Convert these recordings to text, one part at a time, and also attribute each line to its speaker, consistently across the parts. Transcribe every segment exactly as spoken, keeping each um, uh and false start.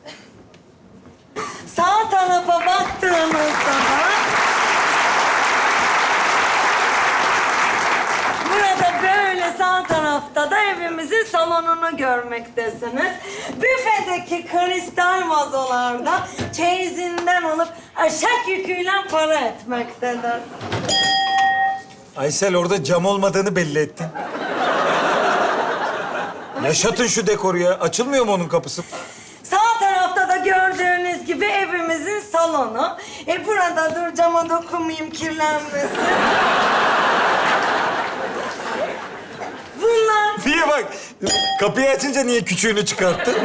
Speaker 1: Sağ tarafa baktığınızda da burada böyle sağ tarafta da evimizin salonunu görmektesiniz. Büfedeki kristal vazolarda çeyizinden alıp eşek yüküyle para etmektedir.
Speaker 2: Aysel orada cam olmadığını belli ettin. Yaşatın şu dekoru ya. Açılmıyor mu onun kapısı?
Speaker 1: Sağ tarafta da gördüğünüz gibi evimizin salonu. E burada dur cama dokunmayayım kirlenmesin. Bunlar
Speaker 2: Niye bak? Kapıyı açınca niye küçüğünü çıkarttın?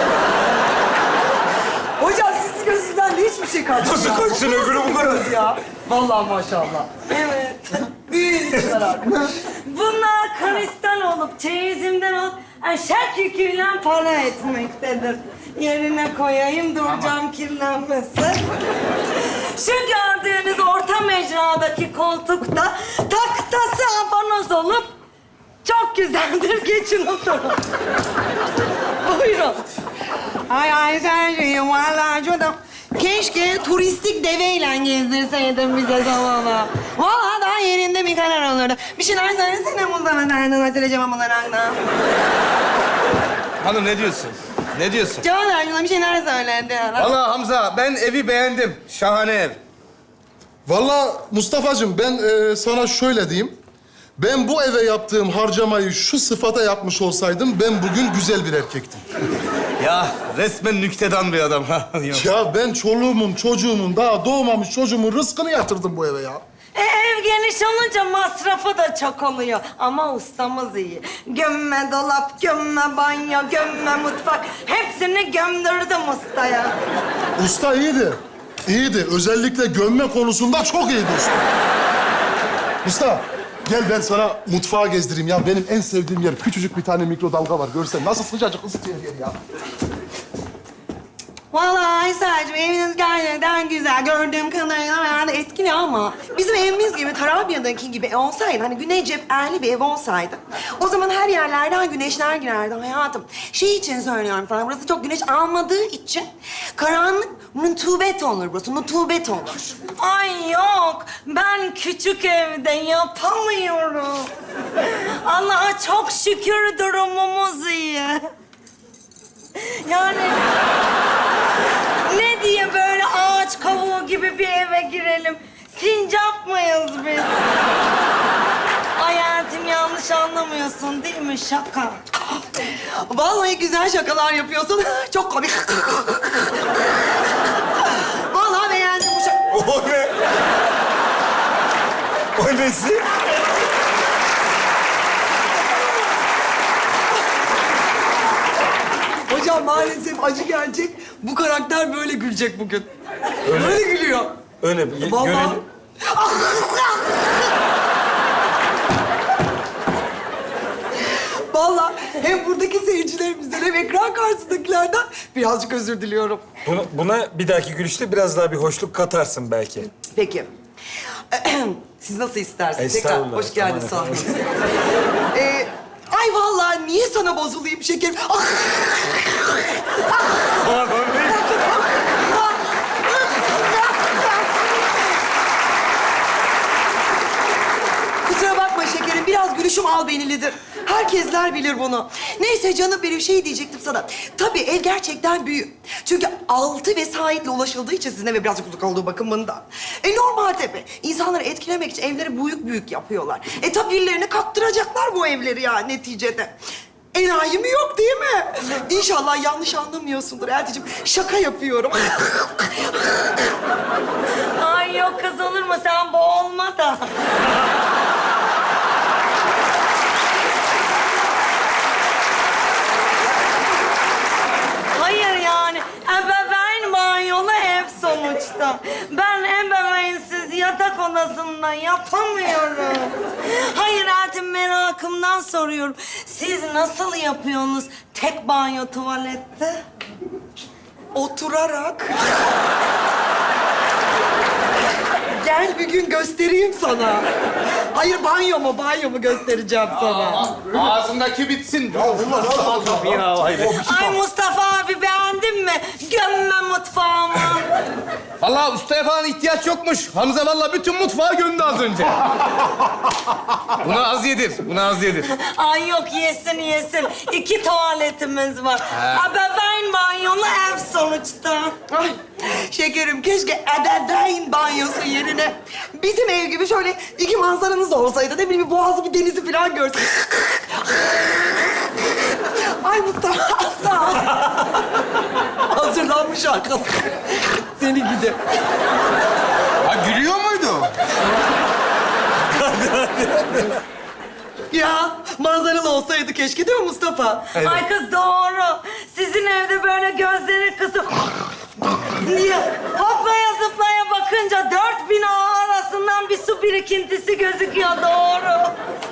Speaker 3: Hocam sizin gözünüzden de hiçbir şey kaçmıyor.
Speaker 2: Nasıl kaçsın öbürü bu kadar?
Speaker 3: Ya. Vallahi maşallah.
Speaker 1: evet.
Speaker 3: Büyüyün içler artık.
Speaker 1: Bunlar kristal olup çeyizimden alıp eşek yüküyle para etmektedir. Yerine koyayım dur cam kirlenmesin. Şu gördüğünüz orta mecradaki koltukta taktası abanoz olup çok güzeldir. Geçin oturun. Buyurun.
Speaker 4: Ay Aysel'cim vallahi çok keşke turistik deveyle gezdirseydin bize salonu. Vallahi daha yerinde bir karar olurdu. Bir şeyler söylesene bundan derdin Aysel'cim bunlardan.
Speaker 5: Hanım ne diyorsun? Ne diyorsun?
Speaker 4: Cevap ver şuna bir şeyler söyledi.
Speaker 5: Vallahi Hamza ben evi beğendim. Şahane ev.
Speaker 6: Vallahi Mustafa'cığım ben e, sana şöyle diyeyim. Ben bu eve yaptığım harcamayı şu sıfata yapmış olsaydım ben bugün güzel bir erkektim.
Speaker 5: Ya resmen nüktedan bir adam ha.
Speaker 6: Ya ben çoluğumun, çocuğumun, daha doğmamış çocuğumun rızkını yatırdım bu eve ya.
Speaker 1: E, ev geniş olunca masrafı da çok oluyor. Ama ustamız iyi. Gömme dolap, gömme banyo, gömme mutfak. Hepsini gömdürdüm ustaya.
Speaker 6: Usta iyiydi. İyiydi. Özellikle gömme konusunda çok iyiydi usta. Usta, gel ben sana mutfağı gezdireyim ya. Benim en sevdiğim yer küçücük bir tane mikrodalga var. Görsen nasıl sıcacık ısıtıyor yer ya.
Speaker 4: Vallahi Aysel'cim eviniz gerçekten güzel. Gördüğüm kadarıyla bayağı da etkili ama bizim evimiz gibi Tarabya'daki gibi olsaydı, hani güney cepherli bir ev olsaydı, o zaman her yerlerden güneşler girerdi hayatım. Şey için söylüyorum sana, burası çok güneş almadığı için karanlık, nutubet olur burası, nutubet olur.
Speaker 1: Ay yok, ben küçük evde yapamıyorum. Allah'a çok şükür durumumuz iyi. Yani ne diye böyle ağaç kavuğu gibi bir eve girelim? Sincap mıyız biz? Hayatım yanlış anlamıyorsun değil mi? Şaka.
Speaker 4: Vallahi güzel şakalar yapıyorsun. Çok komik. Vallahi beğendim bu şaka.
Speaker 2: O ne? O nesi?
Speaker 3: Hocam maalesef acı gerçek. Bu karakter böyle gülecek bugün. Böyle gülüyor.
Speaker 2: Öyle bir
Speaker 3: Vallahi.
Speaker 2: görelim.
Speaker 3: Vallahi hem buradaki seyircilerimizden hem ekran karşısındakilerden birazcık özür diliyorum.
Speaker 2: Buna, buna bir dahaki gülüşte biraz daha bir hoşluk katarsın belki.
Speaker 3: Peki. Siz nasıl isterseniz. Tekrar
Speaker 2: Estağfurullah.
Speaker 3: hoş geldiniz
Speaker 2: Aman
Speaker 3: sahnemize. ee, ay vallahi niye sana bozulayım şekerim? Ah! Kusura bakma şekerim, biraz gülüşüm albenilidir. Herkesler bilir bunu. Neyse canım benim şey diyecektim sana. Tabii ev gerçekten büyük. Çünkü altı vesayetle ulaşıldığı için sizin eve birazcık uzak olduğu bakımından. E normal tabii. İnsanları etkilemek için evleri büyük büyük yapıyorlar. E tabii birilerine kattıracaklar bu evleri ya neticede. Enayi mi yok değil mi? İnşallah yanlış anlamıyorsundur Elti'ciğim. Şaka yapıyorum.
Speaker 1: Ay yok kız olur mu? Sen boğulma da. Hayır yani ebeveyn banyolu ev sonuçta. Ben ebeveynsiz yatak odasında yapamıyorum. Hayır Eltim merakımdan soruyorum. Siz nasıl yapıyorsunuz tek banyo tuvalette?
Speaker 3: Oturarak. Gel bir gün göstereyim sana. Hayır banyo mu banyo mu göstereceğim sana.
Speaker 5: Ağzındaki bitsin. Ya Allah
Speaker 1: Ay Mustafa abi beğendin mi? Gö
Speaker 5: Vallahi ustaya falan ihtiyaç yokmuş. Hamza vallahi bütün mutfağı gömdü az önce. Buna az yedir, buna az yedir.
Speaker 1: Ay yok yesin yesin. İki tuvaletimiz var. Ebeveyn banyolu ev sonuçta.
Speaker 3: Ay şekerim keşke ebeveyn banyosu yerine bizim ev gibi şöyle iki manzaranız olsaydı. Ne bileyim bir boğazı bir denizi falan görsün. Ay Mustafa sağ ol. Hazırlanmış arkadaş. Seni gidi.
Speaker 5: Ha gülüyor muydu?
Speaker 3: Ya manzaralı olsaydı keşke değil mi Mustafa?
Speaker 1: Ay kız doğru. Sizin evde böyle gözleri kısıp diye hoplaya zıplaya bakınca dört bina arasından bir su birikintisi gözüküyor doğru.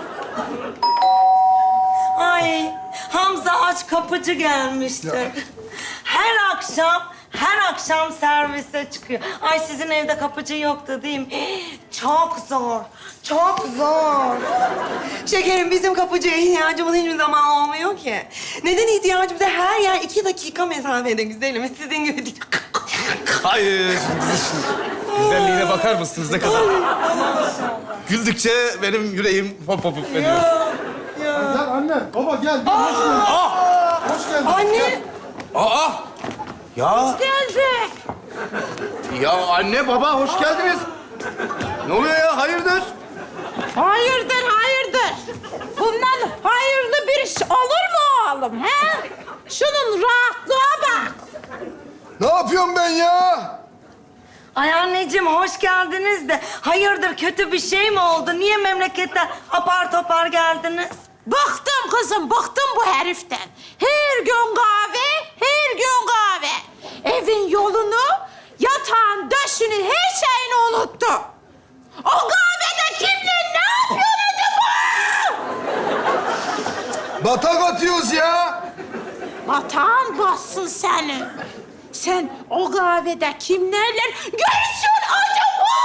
Speaker 1: Ay Hamza aç kapıcı gelmişti. Her akşam her akşam servise çıkıyor. Ay sizin evde kapıcı yoktu değil mi? Çok zor. Çok zor.
Speaker 3: Şekerim bizim kapıcıya ihtiyacımız hiçbir zaman olmuyor ki. Neden ihtiyacımız? Her yer iki dakika mesafede güzelim. Sizin gibi değil.
Speaker 5: Hayır. Güzelliğine bakar mısınız ne kadar? Güldükçe benim yüreğim hop hop hop ediyor.
Speaker 6: Gel anne, baba gel. gel. Hoş geldin. Hoş geldin.
Speaker 3: Anne.
Speaker 5: Aa! Ya,
Speaker 1: Geldik.
Speaker 5: ya anne baba hoş geldiniz. Ne oluyor ya? Hayırdır?
Speaker 7: Hayırdır, hayırdır. Bundan hayırlı bir iş olur mu oğlum, he? Şunun rahatlığa bak.
Speaker 6: Ne yapıyorum ben ya?
Speaker 1: Ay anneciğim hoş geldiniz de hayırdır kötü bir şey mi oldu? Niye memleketten apar topar geldiniz?
Speaker 7: Bıktım kızım, bıktım bu heriften. Her gün kahve, her gün kahve. Evin yolunu, yatağın döşünü, her şeyini unuttu. O kahvede kimle ne yapıyor acaba?
Speaker 6: Batak atıyoruz ya.
Speaker 7: Batağın bassın seni. Sen o kahvede kimlerle görüşüyorsun acaba?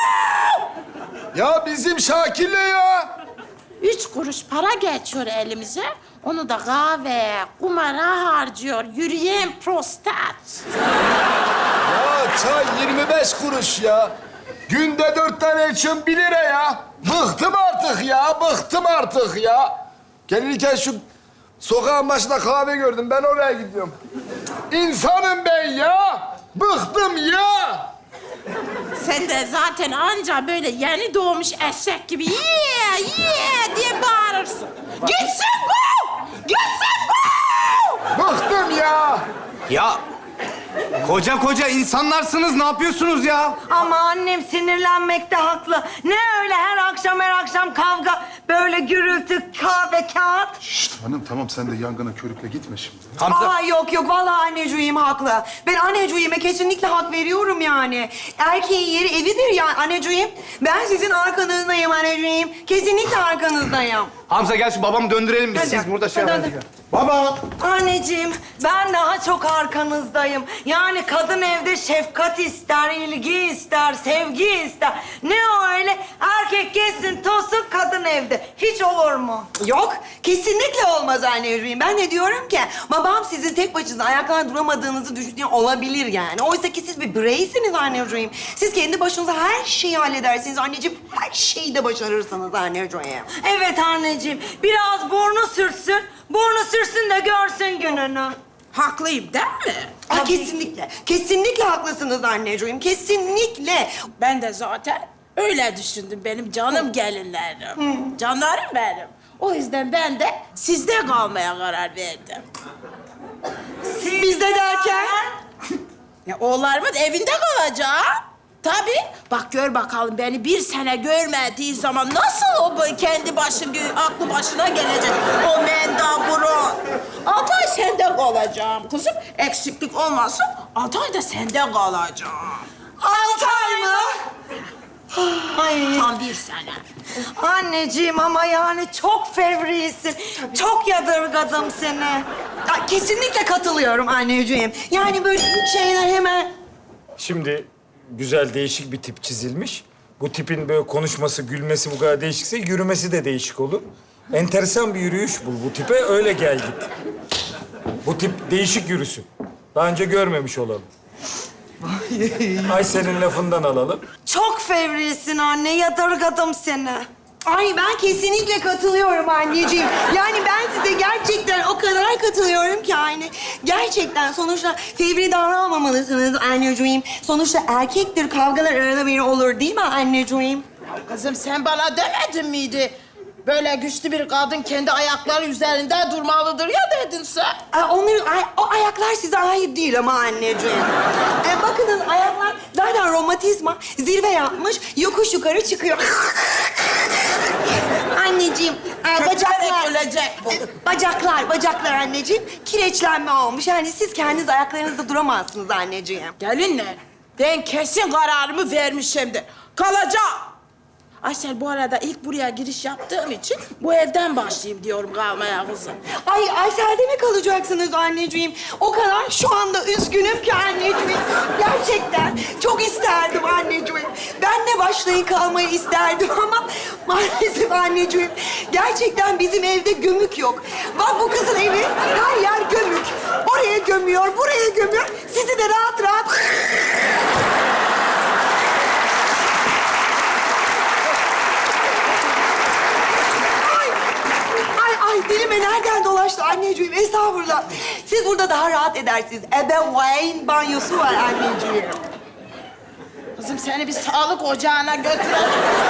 Speaker 6: Ya bizim Şakir'le ya.
Speaker 7: Üç kuruş para geçiyor elimize. Onu da kahveye, kumara harcıyor. Yürüyen prostat.
Speaker 6: Ya çay yirmi beş kuruş ya. Günde dört tane içiyorum bir lira ya. Bıktım artık ya, bıktım artık ya. Gelirken şu sokağın başında kahve gördüm. Ben oraya gidiyorum. İnsanım ben ya. Bıktım ya.
Speaker 7: Sen de zaten anca böyle yeni doğmuş eşek gibi yeah, yeah diye bağırırsın. Gitsin bu! Gitsin bu!
Speaker 6: Bıktım ya.
Speaker 5: Ya koca koca insanlarsınız ne yapıyorsunuz ya?
Speaker 1: Ama annem sinirlenmekte haklı. Ne öyle her akşam her akşam kavga, böyle gürültü, kahve, kağıt.
Speaker 6: Şşt hanım tamam sen de yangına körükle gitme şimdi.
Speaker 5: Hamza.
Speaker 3: Aa yok yok vallahi anneciğim haklı. Ben anneciğime kesinlikle hak veriyorum yani. Erkeğin yeri evidir ya anneciğim. Ben sizin arkanızdayım anneciğim. Kesinlikle arkanızdayım.
Speaker 5: Hamza gel şu babamı döndürelim biz.
Speaker 3: Hadi.
Speaker 5: Siz burada şey
Speaker 3: Hadi,
Speaker 5: yapın.
Speaker 3: hadi.
Speaker 6: Baba.
Speaker 1: Anneciğim, ben daha çok arkanızdayım. Yani kadın evde şefkat ister, ilgi ister, sevgi ister. Ne o öyle? Erkek gezsin, tozsun, kadın evde. Hiç olur mu?
Speaker 3: Yok, kesinlikle olmaz anneciğim. Ben de diyorum ki babam sizin tek başınıza ayakta duramadığınızı düşünüyor olabilir yani. Oysa ki siz bir bireysiniz anneciğim. Siz kendi başınıza her şeyi halledersiniz anneciğim. Her şeyi de başarırsınız anneciğim.
Speaker 1: Evet anneciğim, biraz burnu sürtsün. Burnu sürsün de görsün gününü.
Speaker 7: Haklıyım değil mi?
Speaker 3: Aa, kesinlikle, kesinlikle haklısınız anneciğim. Kesinlikle.
Speaker 7: Ben de zaten öyle düşündüm benim canım gelinlerim. Canlarım benim. O yüzden ben de sizde kalmaya karar verdim.
Speaker 1: Siz
Speaker 3: Bizde derken?
Speaker 7: Ya oğullarımın evinde kalacağım. Tabii. Bak gör bakalım beni bir sene görmediği zaman nasıl o böyle kendi başın, aklı başına gelecek o mendaburu. Altı ay sende kalacağım kızım. Eksiklik olmasın, altı ay da sende kalacağım.
Speaker 3: Altı ay mı?
Speaker 1: Ay
Speaker 7: Tam bir sene.
Speaker 1: anneciğim ama yani çok fevrisin. Çok yadırgadım seni.
Speaker 3: Aa, kesinlikle katılıyorum anneciğim. Yani böyle bir şeyler hemen...
Speaker 2: Şimdi güzel değişik bir tip çizilmiş. Bu tipin böyle konuşması, gülmesi bu kadar değişikse yürümesi de değişik olur. Enteresan bir yürüyüş bul bu tipe, öyle gel git. Bu tip değişik yürüsün. Daha önce görmemiş olalım. Aysel'in lafından alalım.
Speaker 1: Çok fevrisin anne, yadırgadım seni.
Speaker 4: Ay ben kesinlikle katılıyorum anneciğim. Yani ben size gerçekten o kadar katılıyorum ki anne. Gerçekten sonuçta fevri davranmamalısınız anneciğim. Sonuçta erkektir, kavgalar arada bir olur değil mi anneciğim?
Speaker 7: Kızım sen bana demedin miydi? Böyle güçlü bir kadın kendi ayakları üzerinde durmalıdır ya dedin sen.
Speaker 4: Ay, onların, ay, o ayaklar size ait değil ama anneciğim. E, bakınız ayaklar zaten romatizma zirve yapmış, yokuş yukarı çıkıyor. Anneciğim, e, bacaklar...
Speaker 7: ölecek bu.
Speaker 4: Bacaklar, bacaklar anneciğim. Kireçlenme olmuş. Yani siz kendiniz ayaklarınızda duramazsınız anneciğim.
Speaker 7: Gelinler, ben kesin kararımı vermişimdir. Kalacağım. Aysel bu arada ilk buraya giriş yaptığım için bu evden başlayayım diyorum kalmaya kızım.
Speaker 4: Ay Aysel'de mi kalacaksınız anneciğim? O kadar şu anda üzgünüm ki anneciğim. Gerçekten çok isterdim anneciğim. Ben de başlayın kalmayı isterdim ama maalesef anneciğim. Gerçekten bizim evde gömük yok. Bak bu kızın evi her yer gömük. Oraya gömüyor, buraya gömüyor. Sizi de rahat rahat... Ay dilime nereden dolaştı anneciğim? Estağfurullah. Siz burada daha rahat edersiniz. Ebeveyn banyosu var anneciğim.
Speaker 7: Kızım seni bir sağlık ocağına götürelim.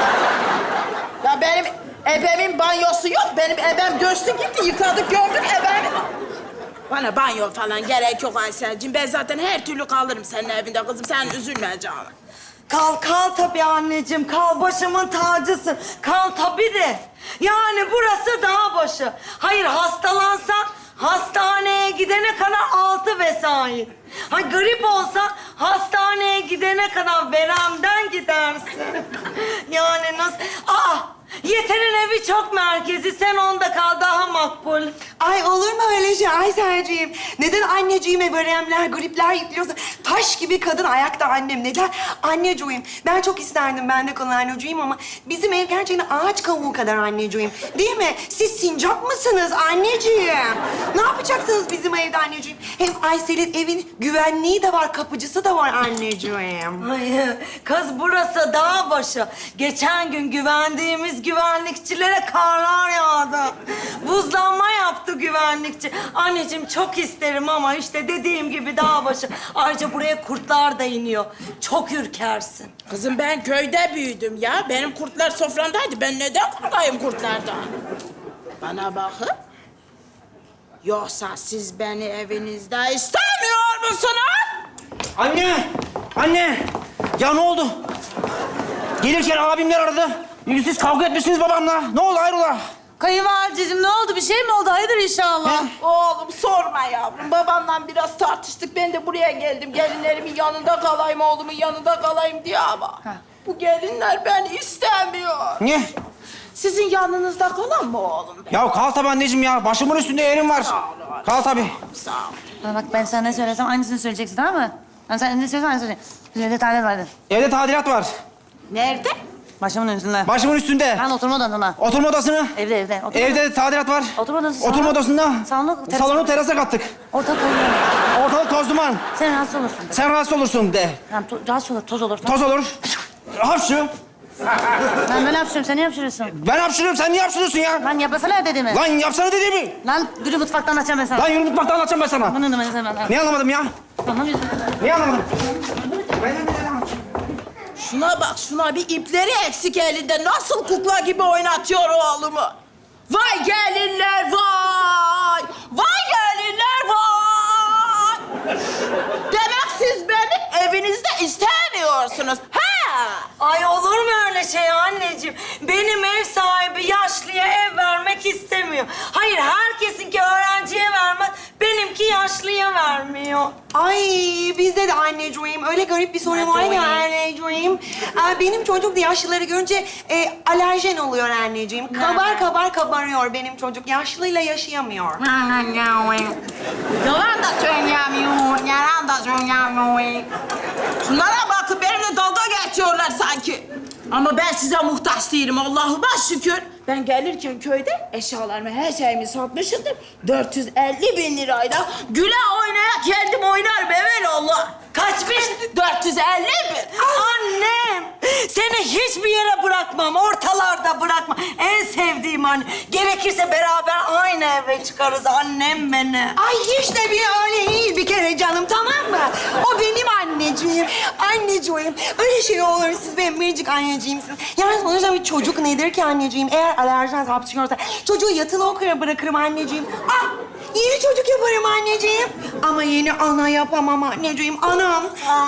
Speaker 7: Ya benim ebemin banyosu yok. Benim ebem göçtü gitti. Yıkadık gömdük ebemi. Bana banyo falan gerek yok Aysel'cim. Ben zaten her türlü kalırım senin evinde kızım. Sen üzülme canım.
Speaker 1: Kal, kal tabii anneciğim. Kal, başımın tacısın. Kal tabii de. Yani burası dağ başı. Hayır, hastalansan hastaneye gidene kadar altı vesait. Ha grip olsa hastaneye gidene kadar veremden gidersin. Yani nasıl... Aa! Yeter'in evi çok merkezi. Sen onda kal, daha makbul.
Speaker 4: Ay olur mu öyle şey Aysel'ciğim? Neden anneciğime veremler, gripler yüklüyorsa? Taş gibi kadın ayakta annem. Neden? Anneciğim, ben çok isterdim ben de kalan anneciğim ama bizim ev gerçekten ağaç kavuğu kadar anneciğim. Değil mi? Siz sincap mısınız anneciğim? Ne yapacaksınız bizim evde anneciğim? Hem Aysel'in evin güvenliği de var, kapıcısı da var anneciğim.
Speaker 1: Ay, kız burası dağ başı. Geçen gün güvendiğimiz güvenlikçilere karlar yağdı. Buzlanma yaptı güvenlikçi. Anneciğim çok isterim ama işte dediğim gibi dağ başı. Ayrıca buraya kurtlar da iniyor. Çok ürkersin.
Speaker 7: Kızım ben köyde büyüdüm ya. Benim kurtlar soframdaydı. Ben neden korkayım kurtlardan? Bana bakın. Yoksa siz beni evinizde istemiyor musunuz?
Speaker 8: Anne! Anne! Ya ne oldu? Gelirken abimler aradı. Siz kavga etmişsiniz babamla. Ne oldu hayrola?
Speaker 9: Kayınvalideciğim ne oldu? Bir şey mi oldu? Hayırdır inşallah?
Speaker 7: Oğlum sorma yavrum. Babamla biraz tartıştık. Ben de buraya geldim. Gelinlerimin yanında kalayım, oğlumun yanında kalayım diye ama... Bu gelinler beni istemiyor.
Speaker 8: Niye?
Speaker 7: Sizin yanınızda kalan mı oğlum?
Speaker 8: Ya kal tabii anneciğim ya. Başımın üstünde yerim var. Kal tabii.
Speaker 7: Sağ ol.
Speaker 9: Bana bak ben sana ne söylesem aynısını söyleyeceksin tamam mı? Ben sen ne söylesem aynısını söyleyeceksin. Evde tadilat vardı.
Speaker 8: Evde tadilat var.
Speaker 7: Nerede?
Speaker 9: Başımın üstünde.
Speaker 8: Başımın üstünde.
Speaker 9: Ben oturma odasında.
Speaker 8: Oturma odasını.
Speaker 9: Evde evde. Oturma
Speaker 8: Evde tadilat var.
Speaker 9: Oturma odası. salon-
Speaker 8: Oturma odasında.
Speaker 9: Salonu, terasa.
Speaker 8: Salonu terasa kattık.
Speaker 9: Orta koyuyorum.
Speaker 8: Ortalık toz duman.
Speaker 9: Sen rahatsız olursun.
Speaker 8: Sen rahatsız olursun de.
Speaker 9: Tamam to- rahatsız olur, toz olur.
Speaker 8: Toz olur. Hapşı.
Speaker 9: Ben böyle hapşırıyorum, sen niye hapşırıyorsun?
Speaker 8: Ben hapşırıyorum. Sen niye hapşırıyorsun ya?
Speaker 9: Lan yapasana dediğimi.
Speaker 8: Lan yapsana dediğimi.
Speaker 9: Lan yürü mutfaktan anlatacağım ben sana.
Speaker 8: Lan yürü mutfakta anlatacağım ben sana.
Speaker 9: Bunu da ben sana.
Speaker 8: Ne anlamadım ya?
Speaker 9: Anlamıyorsun.
Speaker 8: Niye anlamadım?
Speaker 7: Şuna bak, şuna bir ipleri eksik elinde. Nasıl kukla gibi oynatıyor oğlumu. Vay gelinler vay! Vay gelinler vay! Demek siz beni evinizde istemiyorsunuz. Ha!
Speaker 1: Ay olur mu öyle şey anneciğim? Benim ev sahibi yaşlıya ev vermek istemiyor. Hayır, herkesinki öğrenciye vermez. Benimki yaşlıya vermiyor.
Speaker 4: Ay bizde de anneciğim öyle garip bir sorun var ya anneciğim. Aa, benim çocuk da yaşlıları görünce e, alerjen oluyor anneciğim. Kabar kabar kabarıyor benim çocuk. Yaşlıyla yaşayamıyor.
Speaker 7: Yalan da söyleyemiyor, yalan da söyleyemiyor. Şunlara bakın, benimle dalga geçiyorlar sanki. Ama ben size muhtaç değilim Allah'ıma şükür. Ben gelirken köyde eşyalarımı, her şeyimi satmışımdır. dört yüz elli bin lirayla güle oynaya kendim oynarım evelallah.
Speaker 1: Kaç bin?
Speaker 7: dört yüz elli bin.
Speaker 1: Annem, seni hiçbir yere bırakmam, ortalarda bırakmam. En sevdiğim anne. Gerekirse beraber aynı eve çıkarız annem beni.
Speaker 4: Ay hiç de bir öyle değil bir kere canım, tamam mı? O benim anneciğim. Anneciğim. Öyle şey olur. Siz benim biricik anneciğimsiniz. Yani sonuçta bir çocuk nedir ki anneciğim? Eğer alerjiden hapşırıyorsa çocuğu yatılı okula bırakırım anneciğim. Ah! Yeni çocuk yaparım anneciğim. Ama yeni ana yapamam anneciğim. Anam.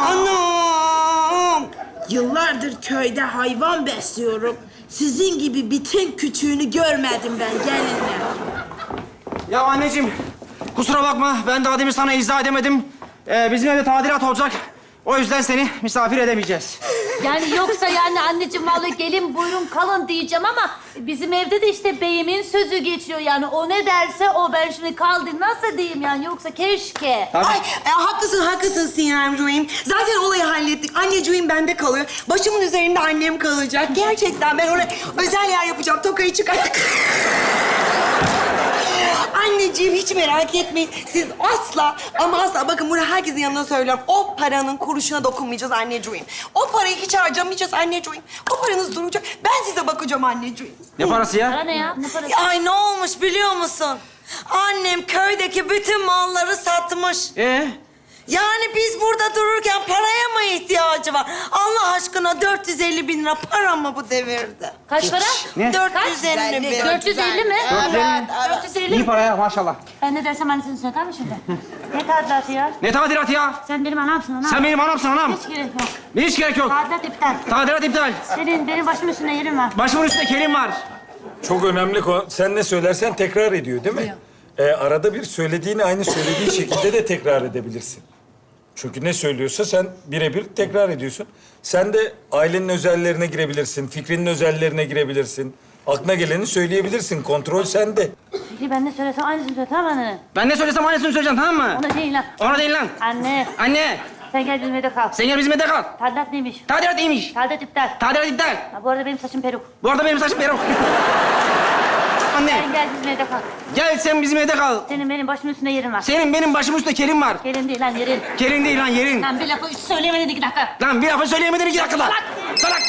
Speaker 4: Anam.
Speaker 7: Yıllardır köyde hayvan besliyorum. Sizin gibi bitin küçüğünü görmedim ben gelinle.
Speaker 8: Ya anneciğim, kusura bakma. Ben daha demin sana izah edemedim. Ee, bizim evde tadilat olacak. O yüzden seni misafir edemeyeceğiz.
Speaker 9: Yani yoksa yani anneciğim vallahi gelin buyurun kalın diyeceğim ama bizim evde de işte beyimin sözü geçiyor yani o ne derse o ben şimdi kaldım nasıl diyeyim yani yoksa keşke.
Speaker 8: Tabii.
Speaker 4: Ay e, haklısın, haklısın Sinemciğim. Zaten olayı hallettik. Anneciğim bende kalıyor. Başımın üzerinde annem kalacak. Gerçekten ben oraya özel yer yapacağım. Tokayı çıkart. Anneciğim hiç merak etmeyin. Siz asla ama asla bakın bunu herkesin yanına söylüyorum. O paranın kuruşuna dokunmayacağız anneciğim. O parayı hiç harcamayacağız anneciğim. O paranız duracak. Ben size bakacağım anneciğim.
Speaker 8: Ne parası ya?
Speaker 9: Para ne ya? Ne parası?
Speaker 1: Ay ne olmuş biliyor musun? Annem köydeki bütün malları satmış.
Speaker 8: Ee?
Speaker 1: Yani biz burada dururken paraya mı ihtiyacı var? Allah aşkına dört yüz elli bin lira para mı bu devirde?
Speaker 9: Kaç para?
Speaker 8: Ne?
Speaker 1: dört yüz elli bin.
Speaker 9: dört yüz elli mi?
Speaker 8: dört yüz elli.
Speaker 9: dört yüz elli
Speaker 8: İyi
Speaker 9: mi?
Speaker 8: para ya maşallah.
Speaker 9: Ben ne dersem annesini söyler mi şimdi? Ne tadilatı ya?
Speaker 8: Ne tadilatı ya?
Speaker 9: Sen benim anamsın anam.
Speaker 8: Sen benim anamsın anam.
Speaker 9: Hiç gerek yok.
Speaker 8: Hiç gerek yok.
Speaker 9: Tadilat iptal.
Speaker 8: Tadilat iptal.
Speaker 9: Senin benim başımın üstünde yerin var.
Speaker 8: Başımın üstünde kelim var.
Speaker 2: Çok önemli konu. Sen ne söylersen tekrar ediyor değil mi? Ee, arada bir söylediğini aynı söylediği şekilde de tekrar edebilirsin. Çünkü ne söylüyorsa sen birebir tekrar ediyorsun. Sen de ailenin özellerine girebilirsin, fikrinin özellerine girebilirsin. Aklına geleni söyleyebilirsin. Kontrol sende.
Speaker 9: Peki ben ne söylesem aynısını söyle tamam mı anne?
Speaker 8: Ben ne söylesem aynısını söyleyeceğim tamam mı?
Speaker 9: Ona değil lan.
Speaker 8: Ona değil lan.
Speaker 9: Anne
Speaker 8: Anne,
Speaker 9: sen gel bizim evde kal.
Speaker 8: sen gel bizim evde kal.
Speaker 9: Tadilat neymiş?
Speaker 8: Tadilat neymiş?
Speaker 9: Tadilat iptal.
Speaker 8: Tadilat iptal.
Speaker 9: Ha, bu arada benim saçım peruk.
Speaker 8: Bu arada benim saçım peruk. Anne,
Speaker 9: Sen gel bizim evde kal.
Speaker 8: gel sen bizim evde kal.
Speaker 9: Senin benim başımın üstünde yerin var.
Speaker 8: Senin benim başımın üstünde kelim var.
Speaker 9: Gelin değil lan yerin.
Speaker 8: Kelin değil lan yerin.
Speaker 9: Lan bir lafı üç söyleyemedin iki dakika.
Speaker 8: Lan bir lafı söyleyemedin iki dakikada.
Speaker 9: Salak!
Speaker 8: Salak.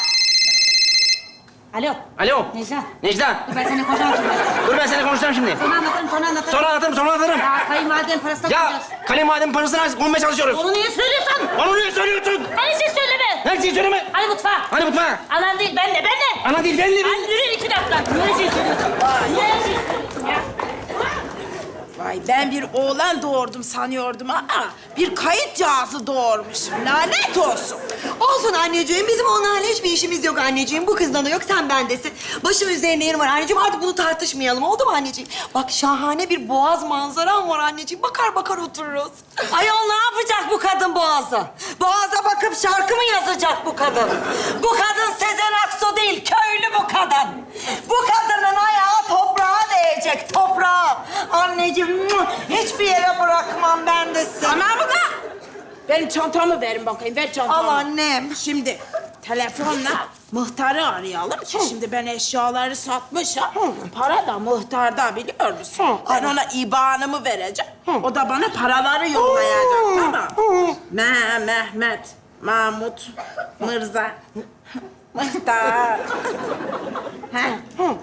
Speaker 9: Alo.
Speaker 8: Alo.
Speaker 9: Necla.
Speaker 8: Necla.
Speaker 9: Dur ben seninle konuşamam şimdi.
Speaker 8: Dur ben seninle konuşacağım şimdi.
Speaker 9: Sonra anlatırım sonra anlatırım.
Speaker 8: Sonra anlatırım, sonra anlatırım.
Speaker 9: Ya kayınvalidenin parasına
Speaker 8: Ya
Speaker 9: koyacağız.
Speaker 8: kayınvalidemin parasını konmaya çalışıyoruz.
Speaker 9: Onu niye söylüyorsun?
Speaker 8: Onu niye söylüyorsun?
Speaker 9: Hani siz söyleme.
Speaker 8: Her şeyi söyleme.
Speaker 9: Hadi mutfağa.
Speaker 8: Hadi mutfağa.
Speaker 9: Anan değil ben de ben de.
Speaker 8: Ana değil, ben de.
Speaker 9: Hadi yürü iki dakika. Niye şey söylüyorsun? Niye şey söylüyorsun ya?
Speaker 7: Vay ben bir oğlan doğurdum sanıyordum ama bir kayıt cihazı doğurmuşum. Lanet olsun.
Speaker 4: Olsun anneciğim. Bizim onlarla hiçbir işimiz yok anneciğim. Bu kızdan da yok, sen bendesin. Başım üzerinde yerim var anneciğim. Artık bunu tartışmayalım. Oldu mu anneciğim? Bak şahane bir boğaz manzaram var anneciğim. Bakar bakar otururuz.
Speaker 1: Ayol ne yapacak bu kadın Boğaz'a? Boğaz'a bakıp şarkı mı yazacak bu kadın? Bu kadın Sezen Aksu değil, köylü bu kadın. Bu kadının ayağı toprağa değecek, toprağa. Anneciğim, hiçbir yere bırakmam ben de seni.
Speaker 7: Tamam mı lan? Benim çantamı verin bakayım, ver çantamı.
Speaker 1: Al annem.
Speaker 7: Şimdi telefonla muhtarı arayalım ki şimdi ben eşyaları satmışım. Para da muhtarda biliyor musun? Ben ona ibanımı vereceğim. O da bana paraları yollayacak, tamam. Me Mehmet, Mahmut, Mırza, Muhtar. Heh.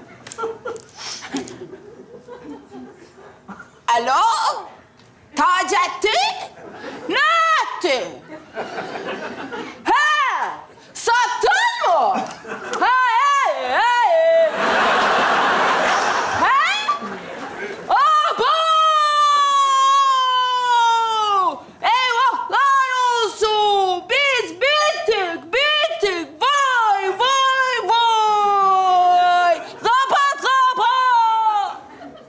Speaker 7: Alo? Taceddin? Ne etti? He! Sattın mı? Ha, he, he. He? Abo! Eyvahlar olsun! Biz bittik, bittik! Vay, vay, vay! Kapat, kapat!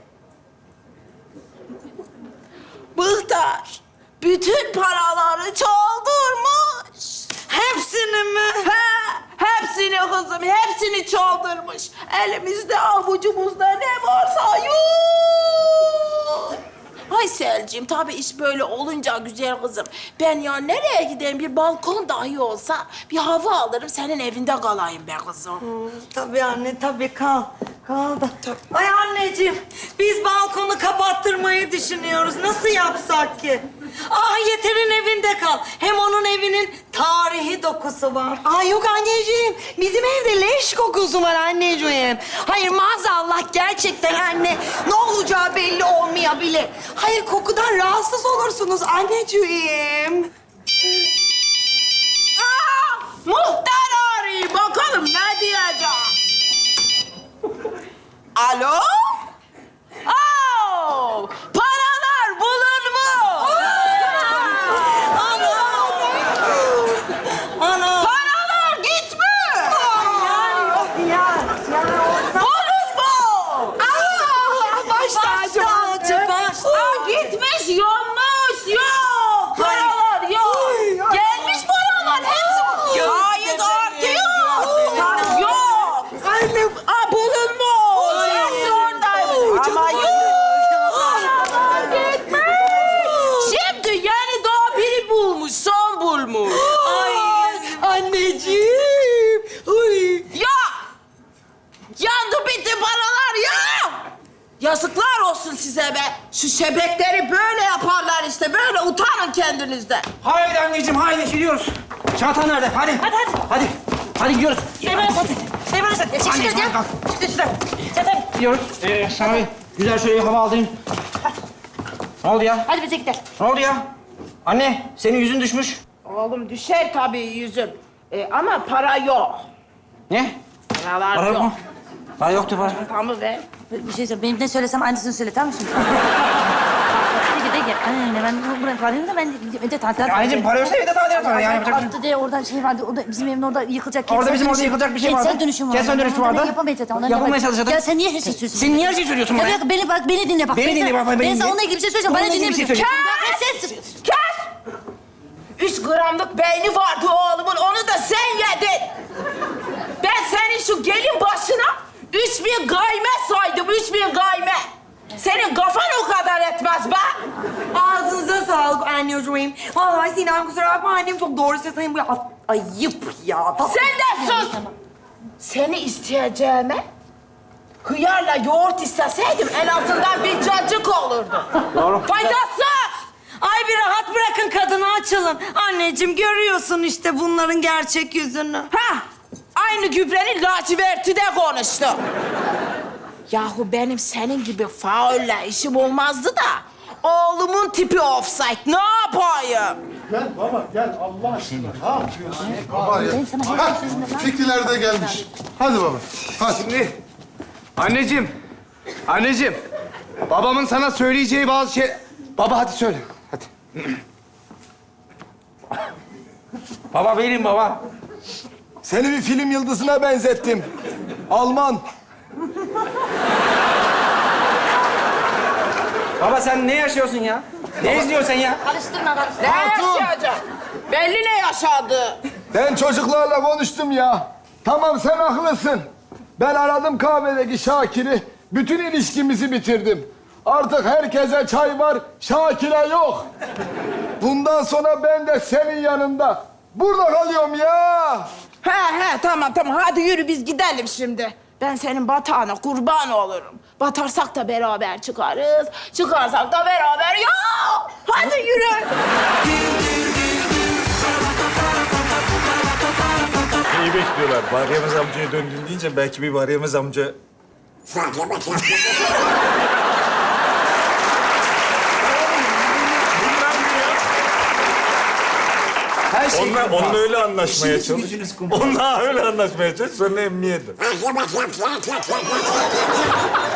Speaker 7: Muhtar, bütün paraları çaldırmış.
Speaker 1: Hepsini mi?
Speaker 7: He, hepsini kızım, hepsini çaldırmış. Elimizde, avucumuzda ne varsa yok. Ayselciğim, tabii iş böyle olunca güzel kızım. Ben ya nereye gideyim? Bir balkon dahi olsa bir hava alırım, senin evinde kalayım be kızım.
Speaker 1: Tabii anne, tabii kal. Kal da. Ay anneciğim, biz balkonu kapattırmayı düşünüyoruz. Nasıl yapsak ki? Ah Yeter'in evinde kal. Hem onun evinin tarihi dokusu var.
Speaker 4: Ay yok anneciğim. Bizim evde leş kokusu var anneciğim. Hayır maazallah gerçekten anne. Ne olacağı belli olmayabilir. Hayır kokudan rahatsız olursunuz anneciğim.
Speaker 7: Aa, muhtar arıyor. Bakalım ne diyecek? Alo? Oo, paralar bulunmuş.
Speaker 1: Ana!
Speaker 7: Paralar gitmiş. Bulunmuş.
Speaker 4: Aa, baş tacı.
Speaker 1: Tacı, baş
Speaker 7: Aa, gitmiş, yanmış. Yok, paralar yok. Gelmiş paralar hepsi. Gayet artıyor. Yok.
Speaker 4: Anne.
Speaker 7: Aa, bulunmuş. Hepsi oradaymış. Ama yok. Gitmiş. Şimdi yani daha biri bulmuş, son bulmuş.
Speaker 4: Ay. Anneciğim. Uy.
Speaker 7: Ya! Yandı bitti paralar ya! Yazıklar olsun size be. Şu şebekleri böyle yaparlar işte. Böyle utanın kendinizden.
Speaker 8: Haydi anneciğim, haydi gidiyoruz. Çanta nerede? Hadi. Hadi, hadi. Hadi, hadi gidiyoruz.
Speaker 9: Seymen hadi. Seymen hadi. Çık
Speaker 8: Anneciğim,
Speaker 9: şuradan
Speaker 8: hadi kalk.
Speaker 9: Çık şuradan. Sen hadi.
Speaker 8: Gidiyoruz. Ee, sana bir güzel şöyle bir hava alayım. Ne oldu ya?
Speaker 9: Hadi bize gidelim.
Speaker 8: Ne oldu ya? Anne, senin yüzün düşmüş.
Speaker 7: Oğlum düşer tabii yüzüm. Ee, ama para yok.
Speaker 8: Ne?
Speaker 7: Paralar
Speaker 8: Para yok
Speaker 7: yok.
Speaker 8: mu? Para yoktu para.
Speaker 7: Tamam be.
Speaker 9: Bir şey söyle. Benim ne söylesem aynısını söyle tamam mı şimdi? Hadi gidelim gel. Anne ben buraya parayım da ben önce tadilat.
Speaker 8: Anneciğim para yoksa evde tadilat var. Yani yapacak bir şey yok.
Speaker 9: Altta diye oradan şey vardı. Orada bizim evin orada yıkılacak.
Speaker 8: Orada
Speaker 9: kentsel
Speaker 8: bizim orada
Speaker 9: dönüşüm-
Speaker 8: yıkılacak bir şey vardı.
Speaker 9: Kentsel dönüşüm vardı.
Speaker 8: Kentsel dönüşüm
Speaker 9: Onları
Speaker 8: vardı.
Speaker 9: Yapamayacağız. Onları
Speaker 8: Yapılmaya
Speaker 9: yapamayacağız.
Speaker 8: çalışıyorduk.
Speaker 9: Ya sen niye her şeyi söylüyorsun?
Speaker 8: Sen niye her şeyi söylüyorsun bana
Speaker 9: Ya
Speaker 8: ya?
Speaker 9: bak, beni bak beni dinle bak.
Speaker 8: Beni dinle, bak, bak, beni
Speaker 9: Ben sana
Speaker 8: dinle.
Speaker 9: onunla ilgili bir şey söyleyeceğim.
Speaker 8: Onunla
Speaker 9: Bana
Speaker 8: ilgili bir şey
Speaker 9: dinlemiyorsun.
Speaker 8: söyleyeceğim.
Speaker 9: Kes!
Speaker 7: Kes! Üç gramlık beyni vardı oğlumun. Onu da sen yedin. Ben senin şu gelin başına üç bin gayme saydım. Üç bin gayme. Senin kafan o kadar etmez be.
Speaker 4: Ağzınıza sağlık anneciğim. Vallahi Sinem kusura bakma annem çok doğru söylüyor. Bu a- ayıp ya.
Speaker 7: Sen de sus. Seni isteyeceğime hıyarla yoğurt isteseydim en azından bir cacık olurdu.
Speaker 8: Doğru.
Speaker 7: Faydasız.
Speaker 1: Ay bir rahat bırakın kadını, açılın. Anneciğim görüyorsun işte bunların gerçek yüzünü.
Speaker 7: Ha, aynı gübrenin laciverti de konuştu. Yahu benim senin gibi faulle işim olmazdı da oğlumun tipi offside. Ne yapayım?
Speaker 6: Gel baba gel Allah aşkına. Ne yapıyorsun? Baba ya.
Speaker 9: Ben sana her şeyi sözümde lan.
Speaker 6: Fikriler de gelmiş. Hadi baba. Hadi.
Speaker 5: Şimdi anneciğim, anneciğim. Babamın sana söyleyeceği bazı şey... Baba hadi söyle. Hadi.
Speaker 8: Baba benim baba.
Speaker 5: Seni bir film yıldızına benzettim. Alman.
Speaker 8: Baba sen ne yaşıyorsun ya? Ne izliyorsun sen ya?
Speaker 9: Karıştırma karıştırma.
Speaker 7: Ne yaşayacak? Belli ne yaşadı.
Speaker 5: Ben çocuklarla konuştum ya. Tamam sen haklısın. Ben aradım kahvedeki Şakir'i. Bütün ilişkimizi bitirdim. Artık herkese çay var, Şakir'e yok. Bundan sonra ben de senin yanında. Burada kalıyorum ya.
Speaker 7: He he tamam tamam hadi yürü biz gidelim şimdi. Ben senin batağına kurban olurum. Batarsak da beraber çıkarız. Çıkarsak da beraber ya. Hadi yürü.
Speaker 2: İyi bekliyorlar. Varyemez amcaya döndün deyince belki bir Varyemez amca...
Speaker 5: Her şey
Speaker 2: Onunla, onunla öyle anlaşmaya çalış. Onunla öyle anlaşmaya çalış. Sonra emniyete.